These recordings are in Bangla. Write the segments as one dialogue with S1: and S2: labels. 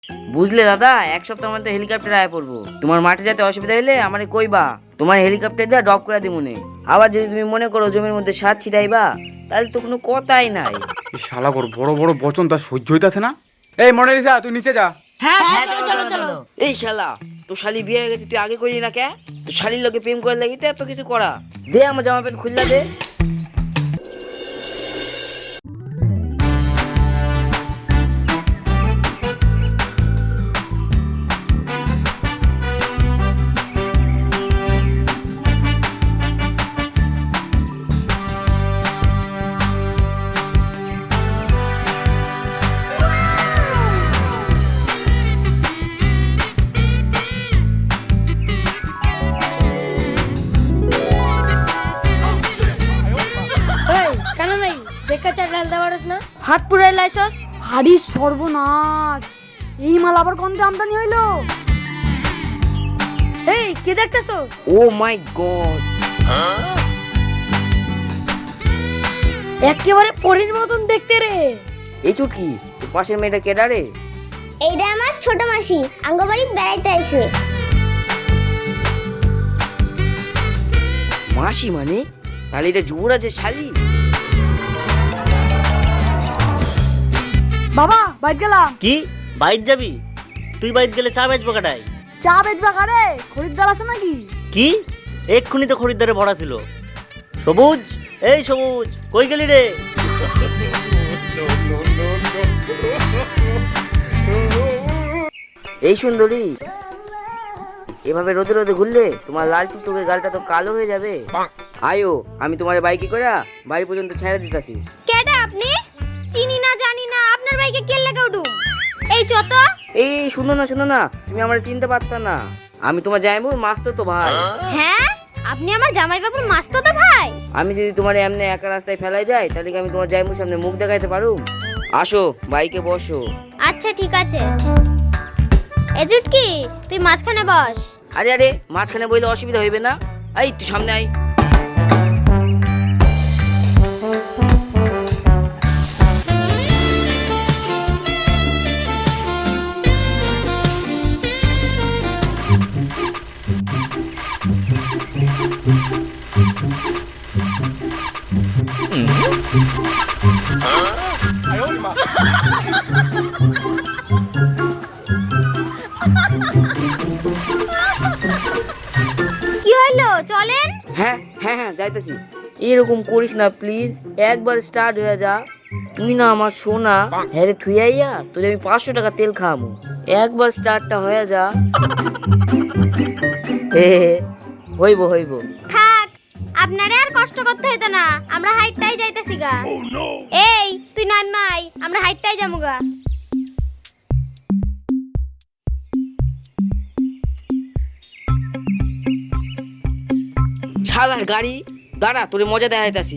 S1: বুঝলে দাদা, এক সপ্তাহের মধ্যে হেলিকপ্টার আয় পড়বো। তোমার মাঠে যেতে অসুবিধা হলে আমারে কইবা, তোমার হেলিকপ্টার দিয়ে ড্রপ করে দিমুনে। আবার যদি তুমি মনে করো জমির মধ্যে সার ছিটাইবা, তাহলে তো কোনো কথাই নাই।
S2: এই শালা বড় বড় বচন তার সহ্য হইতাছে না। এই মোনালিসা, তুই নিচে যা।
S3: হ্যাঁ চলো চলো চলো।
S1: এই শালা, তোর শালি বিয়ে হয়ে গেছে, তুই আগে করলি না কে? তোর শালির লোকে প্রেম করে লাগি তো এত কিছু করা। দে আমার জামা প্যান্ট খুললা দে।
S3: এই কেন নাই দেখা চাট ঢালতে পারছ না? হাত পুরাই লাইছস।
S4: হাড়ি সর্বনাশ, এই মাল আবার কোনতে আমদানি হইলো?
S3: এই কি দেখতেছস?
S1: ও মাই গড,
S3: একেবারে পরীর মতন দেখতে রে।
S1: এই চুটকি, তোর পাশের মেয়েটা কেডা রে?
S5: এইটা আমার ছোট মাসি আঙ্গবাড়ি বেড়াইতে আইছে।
S1: মাসি মানে? তাহলে এটা যুবরাজের শালি।
S4: বাবা বাইক গেলাম।
S6: কি বাইর যাবি? তুই বাইর গেলে চা বেচবো কাটাই?
S4: চা বেচবা কারে? খরিদ্দার আছে নাকি?
S6: কি এক্ষুনি তো খরিদ্দারে ভরা ছিল। সবুজ, এই সবুজ কই গেলি রে?
S1: এই সুন্দরী, এভাবে রোদে রোদে ঘুরলে তোমার লাল টুকটুকে গালটা তো কালো হয়ে যাবে। আয়ো, আমি তোমার বাইকে করে বাড়ি পর্যন্ত ছেড়ে দিতাছি।
S5: কেডা আপনি? চিনি না জানি না, আপনার বাইকে কে লাগা উঠু? এই চত।
S1: এই শুনো না, তুমি আমার চিনতে পারতা না। আমি তোমার জামাইবাবুর মাস্তুতো ভাই।
S5: হ্যাঁ, আপনি আমার জামাইবাবুর মাস্তুতো ভাই?
S1: আমি যদি তোমার এমনি একা রাস্তায় ফেলাই যাই, তাহলে কি আমি তোমার জামাইবাবুর সামনে মুখ দেখাইতে পারুম? আসো, বাইকে বসো।
S5: আচ্ছা ঠিক আছে। এ জুটকি, তুই মাঝখানে বস।
S1: আরে মাঝখানে বইলে অসুবিধা হইবে না? এই তুই সামনে আয়।
S5: কি হইলো, চলেন।
S1: হ্যাঁ যাইতেছি। এরকম করিস না প্লিজ, একবার স্টার্ট হয়ে যা। তুই না আমার সোনা, হ্যারে থুইয়াইয়া তোর আমি 500 টাকা তেল খাওয়ামু। একবার স্টার্টটা হয়ে যা। হইব।
S5: থাক, আপনারে আর কষ্ট করতে হইতো না, আমরা হাইটটাই যাইতাছি গা। এই তুই নামাই, আমরা হাইটটাই যামু গা।
S1: শালার গাড়ি, দাঁড়া, তোরে মজা দেখাইতাছি।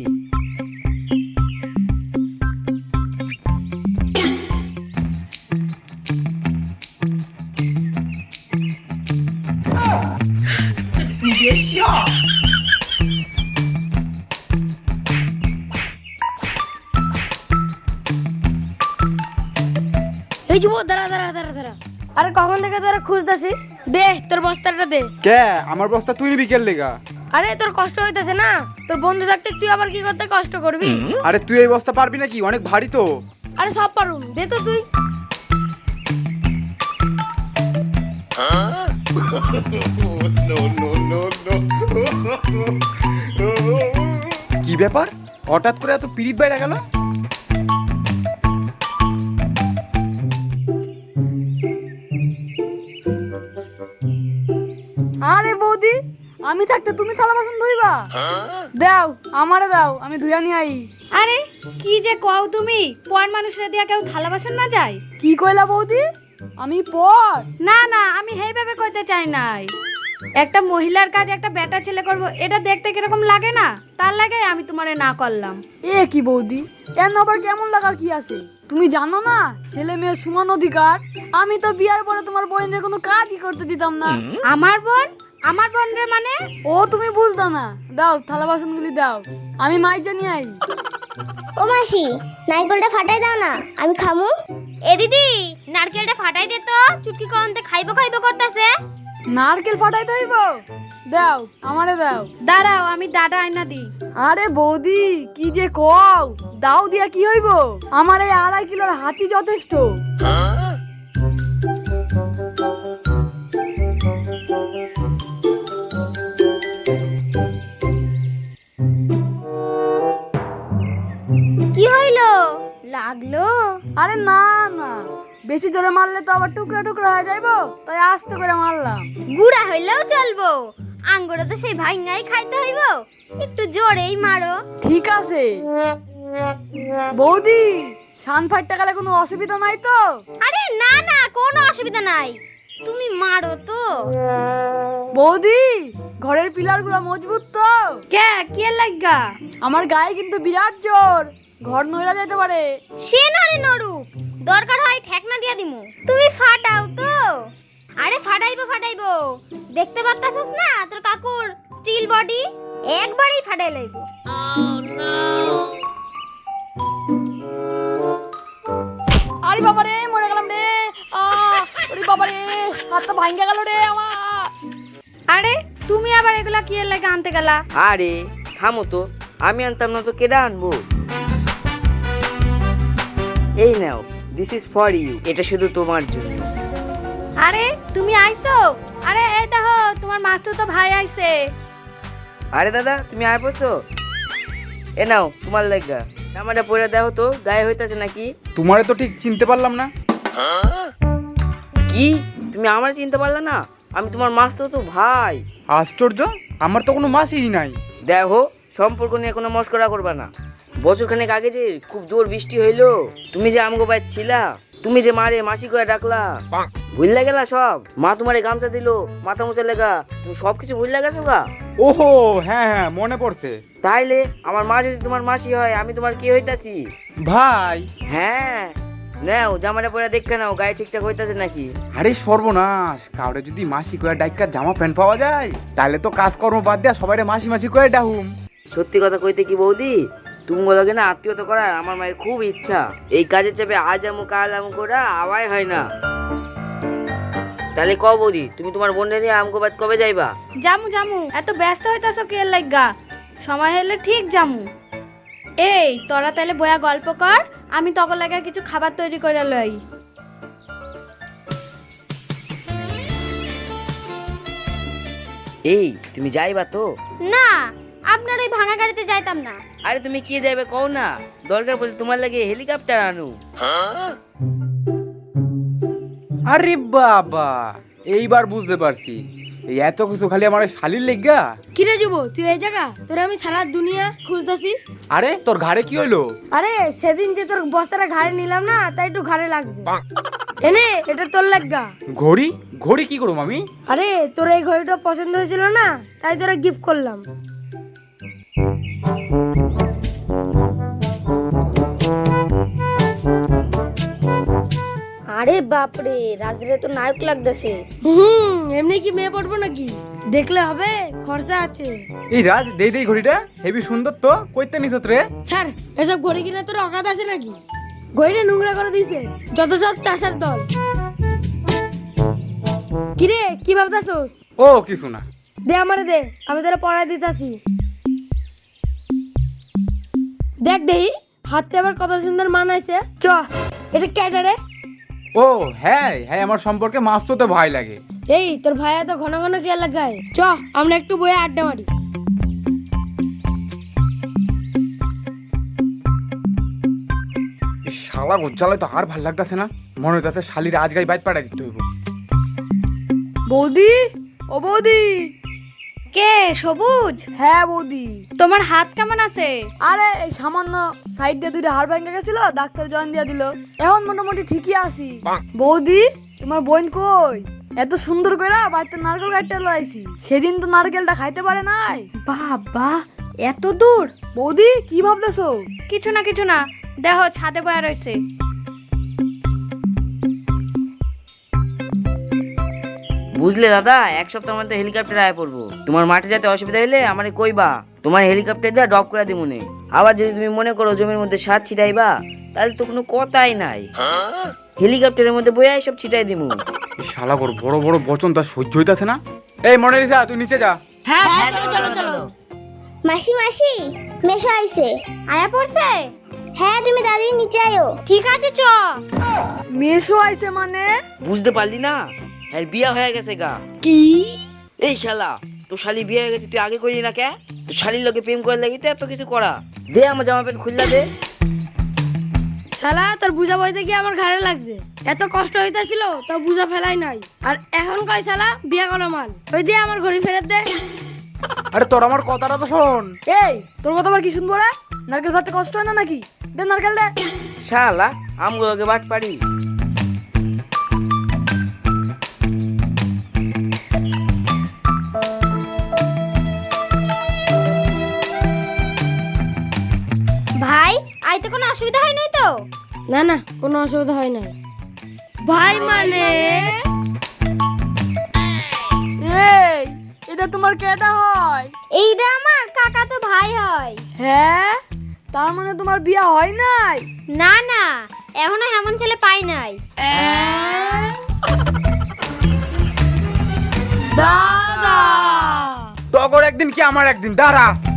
S3: এই যুব, দাঁড়া। আরে কখন থেকে তোরা খুঁজতাছি? দে তোর বস্তাটা দে।
S2: কে আমার বস্তা তুই নিবি কেন লেগা?
S3: আরে তোর কষ্ট হইতাছে না? তোর বন্ধু থাকতে তুই আবার কি করতে কষ্ট করবি?
S2: আরে তুই এই বস্তা পারবি নাকি? অনেক ভারী তো।
S3: আরে সব পারুম, দে তো তুই।
S2: কি ব্যাপার, হঠাৎ করে এত পিরিত বাইরে গেল?
S4: আরে বৌদি, আমি থাকতে তুমি থালা বাসন ধুইবা? দাও, আমারে দাও, আমি ধুইয়া নিয়ে আই।
S7: আরে কি যে কও তুমি, পর মানুষরা দিয়া কেউ থালা বাসন না যায়?
S4: কি কইলা বৌদি? আমি পর?
S7: না না, আমি সেইভাবে কইতে চাই নাই। একটা মহিলার কাজ একটা বেটা ছেলে করবো, এটা দেখতে কিরকম লাগে না, তার লাগে আমি তোমারে না করলাম।
S4: এ কি বৌদি, এর আবার কেমন লাগার কি আছে? তুমি জানো না ছেলে মেয়ের সমান অধিকার? আমি তো বিয়ার পরে তোমার বোনের কোনো কাজই করতে দিতাম না।
S7: আমার বোন? আমার বোন রে মানে?
S4: ও তুমি বুঝতা না, দাও থালা বাসনগুলি দাও, আমি মাইজা নিয়ে আই।
S5: ও মাসি, নাইকলটা ফাটাই দাও না, আমি খামু। এ দিদি নারকেলটা ফাটাই দে তো, চুটকি কমতে খাইবো খাইবো করতেছে।
S4: নারকেল ফাটাইতে হইব? দাও, আমারে দাও।
S7: দাঁড়াও, আমি দাদা আয়না দিই।
S4: আরে বৌদি কি যে কও, দাও দিয়া কি হইব? আমার এই 2.5 কিলোর হাতি যথেষ্ট।
S5: কি হইলো, লাগলো?
S4: আরে না না, বেশি জোরে মারলে তো আবার টুকরা টুকরা হয়ে যাইবো, তাই আস্তে করে মারলাম।
S5: গুড়া হইলেও চলবো, আঙ্গুরে তো সেই ভাইঙ্গাই খাইতে হইব, একটু জোরেই মারো।
S4: ঠিক আছে বৌদি, শান ফাটতে গেলে কোনো অসুবিধা নাই তো?
S5: আরে না না, কোনো অসুবিধা নাই, তুমি মারো তো।
S4: বৌদি ঘরের পিলার গুলো মজবুত তো?
S7: কে কি লাগা?
S4: আমার গায়ে কিন্তু বিরাট জোর, ঘর নইরা যেতে পারে।
S5: সে নরে নরুক, দরকার হয় ঠেকনা দিয়া দিমু, তুমি ফাটাও তো। আরে ফাটাইবো ফাটাইবো, দেখতে পারতাছস না তোর কাকুর স্টিল বডি, একবারই ফাটাই লইবো।
S4: আরে বাবা রে, মরে গেলাম রে। ওরে বাবা রে, হাতটা ভাঙ্গা গেল রে আমার।
S7: আরে তুমি আবার এগুলা কি লাগা আনতে গেলা?
S1: আরে থামো তো, আমি আনতাম না তো কেডা আনবো? এই নাও, দিস ইজ ফর ইউ, এটা শুধু তোমার জন্য।
S7: আরে তুমি আইছো? আরে এই দেখো তোমার মাস্তুতো ভাই আইছে।
S1: আরে দাদা তুমি আয় পড়ছো? এ নাও তোমার লাগা, জামাটা পরে দাও তো, গায়ে হইতাছে নাকি?
S2: তোমারে তো ঠিক চিনতে পারলাম না।
S1: কি তুমি আমার চিনতে পারলা না? আমি তোমার মাস্তো তো ভাই।
S2: আশ্চর্য, আমার তো কোনো মাসিই নাই।
S1: দেখো, সম্পর্ক নিয়ে কোনো মস্করা করবা না। বছরখানেক আগে যে খুব জোর বৃষ্টি হইলো, তুমি যে আমগো বাইর ছিলা, তুমি যে মারে মাসি করে ডাকলা, ভুললা গেলা সব? মা তোমারে গামছা দিলো মাথা মুছে লেগা, তুমি সবকিছু ভুললা গেছো গা?
S2: ওহো, হ্যাঁ হ্যাঁ মনে পড়ছে।
S1: তাইলে আমার মা যদি তোমার মাসি হয়, আমি তোমার কি হইতাছি?
S2: ভাই।
S1: হ্যাঁ, নাও জামাটা পরে দেখে নাও গায়ে ঠিকঠাক হইতাছে নাকি।
S2: আরে সর্বনাশ, কাউরে যদি মাসি করে ডাইকা জামা প্যান্ট পাওয়া যায়, তাহলে তো কাজকর্ম বাদ দিয়া সবাই মাসি মাসি করে ডাহুম।
S1: সত্যি কথা কইতে কি বৌদি, তুমি বলোকে না আত্মীয়তা করার আমার মায়ের খুব ইচ্ছা। এই কাজের চাপে আজ আমু কাল আমু করা আওয়াই হয় না। তাহলে কও বৌদি, তুমি তোমার বোনটা নিয়ে আমগো বাদ কবে যাইবা?
S7: জামু জামু, এত ব্যস্ত হইতাছো কি লাগা? সময় হলে ঠিক জামু। এই তোরা তাহলে বয়া গল্প কর, আমি তখন লাগা কিছু খাবার তৈরি করে লই।
S1: এই তুমি যাইবা তো?
S5: না, আপনার ওই ভাঙা গাড়িতে যাইতাম না।
S1: আরে তুমি কি যাইবে কও না, দরকার পড়লে তোমার লাগে হেলিকপ্টার আনু।
S2: আরে বাবা, এইবার বুঝতে পারছি, এই এত কিছু খালি আমার শালির লেগা।
S3: কিরে যুব, তুই এই জায়গা? তোর আমি সারা দুনিয়া খুঁজতাছি।
S2: আরে তোর ঘাড়ে কি হইলো?
S3: আরে সেদিন যে তোর বস্তাটা ঘাড়ে নিলাম না, তাই একটু ঘাড়ে লাগছে। এনে এটা তোর লাগা।
S2: ঘড়ি? ঘড়ি কি করবো আমি?
S3: আরে তোর এই ঘড়িটা পছন্দ হয়েছিল না, তাই তোরা গিফট করলাম। আরে বাপরে, রাজরে তো নায়ক লাগতেছে। এমনি কি মেয়ে পড়বো নাকি? দেখলে হবে, খরচা আছে।
S2: এই রাজ, দেই দেই ঘড়িটা, হেবি সুন্দর তো, কইতে নিছত রে?
S3: ছাড়, এসব ঘড়ি কিনা তোর অকাত আছে নাকি? ঘড়িটা নোংরা করে দিছে যত সব চাষার দল। কিরে কি ভাবতাছস?
S2: ও কিছু না।
S3: দে আমারে দে, আমি তোরা পড়ায় দিতাছি। দেখ দেহি হাতে আবার কত সুন্দর মানাইছে। চ, এটা কেটে রে?
S2: ও হ্যাঁ হ্যাঁ, আমার সম্পর্কে মাছ তো ভয় লাগে।
S3: এই তোর ভাইয়া তো ঘন ঘন কে লাগায়। চ আমরা একটু বইয়ে আড্ডা মারি।
S2: শালা গোজ্জালায় তো আর ভাল লাগতেছে না, মনে হইতাছে শালির আজ গাই বাইত পাঠাই দিতে হইব।
S4: বৌদি, ও বৌদি।
S7: কে সবুজ?
S4: হ্যাঁ বৌদি।
S7: তোমার হাত কেমন আছে?
S4: আরে এই সামান্য সাইড দিয়ে 2টা হাড় ভেঙে গেছিল, ডাক্তার জয়েন দিয়ে দিল, এখন মোটামুটি ঠিকই আছি। বৌদি তোমার বোন কই? এত সুন্দর করে বাড়িতে নারকেল গাছটা লাইছি, সেদিন তো নারকেলটা খাইতে পারে নাই।
S7: বাবা, এত দূর?
S4: বৌদি কি ভাবতেছো?
S7: কিছু না কিছু না, দেখো ছাদে বয়া রয়েছে।
S1: বুঝলে দাদা, এক সপ্তাহের মধ্যে হেলিকপ্টার আয় পড়বো। তোমার মাঠে যেতে অসুবিধা হইলে আমারে কইবা, তোমার হেলিকপ্টার দিয়ে ড্রপ করে দিব মনে। আবার যদি তুমি মনে করো জমির মধ্যে সার ছিটাইবা, তাহলে তো কোনো কথাই নাই। হেলিকপ্টারের মধ্যে বইয়া সব ছিটাই দিমু।
S2: এই শালা ওর বড় বড় বচন তার সহ্য হইতাছে না। এই মনালিসা তুই নিচে যা।
S3: হ্যাঁ চলো চলো চলো।
S5: মাসি মাসি মেশো আইছে। আয়া পড়ছে? হ্যাঁ তুমি দাদি নিচে আয়ো। ঠিক আছে চ।
S4: মেশো আইছে মানে?
S1: বুঝতে পারলি না? হ্যাঁ বিয়া হয়ে গেছে গা।
S3: কি?
S1: এই শালা তোর শালি বিয়ে হয়ে গেছে, তুই আগে করলি না কে? তোর শালির লোকে প্রেম করে লাগি তো এত কিছু করা। দে আমার জামা প্যান্ট খুললা দে।
S3: শালা তোর বুঝা বইতে গিয়ে আমার ঘাড়ে লাগছে। এত কষ্ট হইতাছিল তাও বুঝা ফেলাই নাই। আর এখন কয় শালা বিয়া করা মাল। ওই দিয়ে আমার ঘড়ি ফেরত দে।
S2: আরে তোর আমার কথাটা তো শোন।
S4: এই তোর কথা আবার কি শুনবো রে? নারকেল ভাতে কষ্ট হয় না নাকি? দে নারকেল দে।
S1: শালা আমগুলোকে বাট পারি।
S5: ভাই আইতে কোনো অসুবিধা হয় নাই তো?
S3: না না কোনো অসুবিধা হয় নাই। ভাই মানে
S4: এই এটা তোমার কেটা হয়?
S5: এইটা আমার কাকা তো ভাই হয়।
S4: হ্যাঁ তার মানে তোমার বিয়া হয় নাই?
S5: না না এখনো এমন ছেলে পাই নাই।
S3: দাদা
S2: তখন একদিন কি আমার একদিন, দাঁড়া।